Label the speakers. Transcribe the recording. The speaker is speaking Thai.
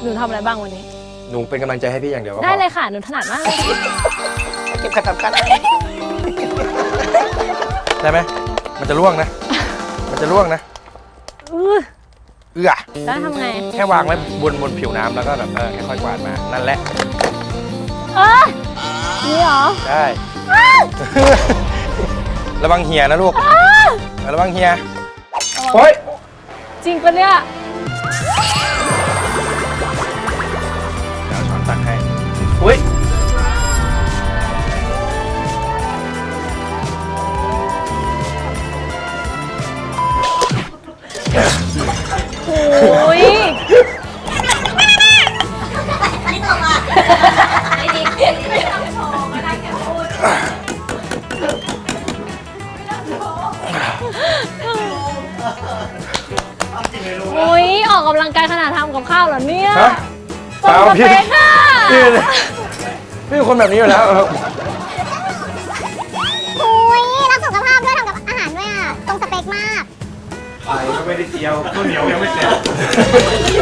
Speaker 1: หนูทำอะไรบ้างวันนี้
Speaker 2: หนูเป็นกำลังใจให้พี่อย่างเดียวก็พอ
Speaker 1: ได้เลยค่ะ หนูถนัดมากเลย
Speaker 2: เก็บขัดสำคัญได้ไหมมันจะล่วงนะ มันจะล่วงนะ
Speaker 1: อื้อ
Speaker 2: เอื้อ
Speaker 1: แล้วทำไง
Speaker 2: แค่วางไว้บนผิวน้ำแล้วก็แบบค่อยๆกวาดมานั่นแหละ
Speaker 1: นี่เหรอ
Speaker 2: ได้ ระวังเหียนะลูกระวังเหียโอ๊ย
Speaker 1: จริงปะเนี่ย
Speaker 2: เดี๋ยวช้อนตักให้อุ้ย
Speaker 1: โอ้ยโอ้ยออกกำลังกายขนาดทำกับข้าวเหรอเนี่ย
Speaker 2: ฮะ
Speaker 1: ตรงสเปคอะ
Speaker 2: พี่เป็นคนแบบนี้อยู่แล้ว
Speaker 3: อุ้ยรักสุขภาพด้วยทำกับอาหารด้วยอ่ะ ตรงสเปคมาก
Speaker 2: ไข่ก็ไม่ได้เจียวข้าวเหนียวยังไม่เสร็จ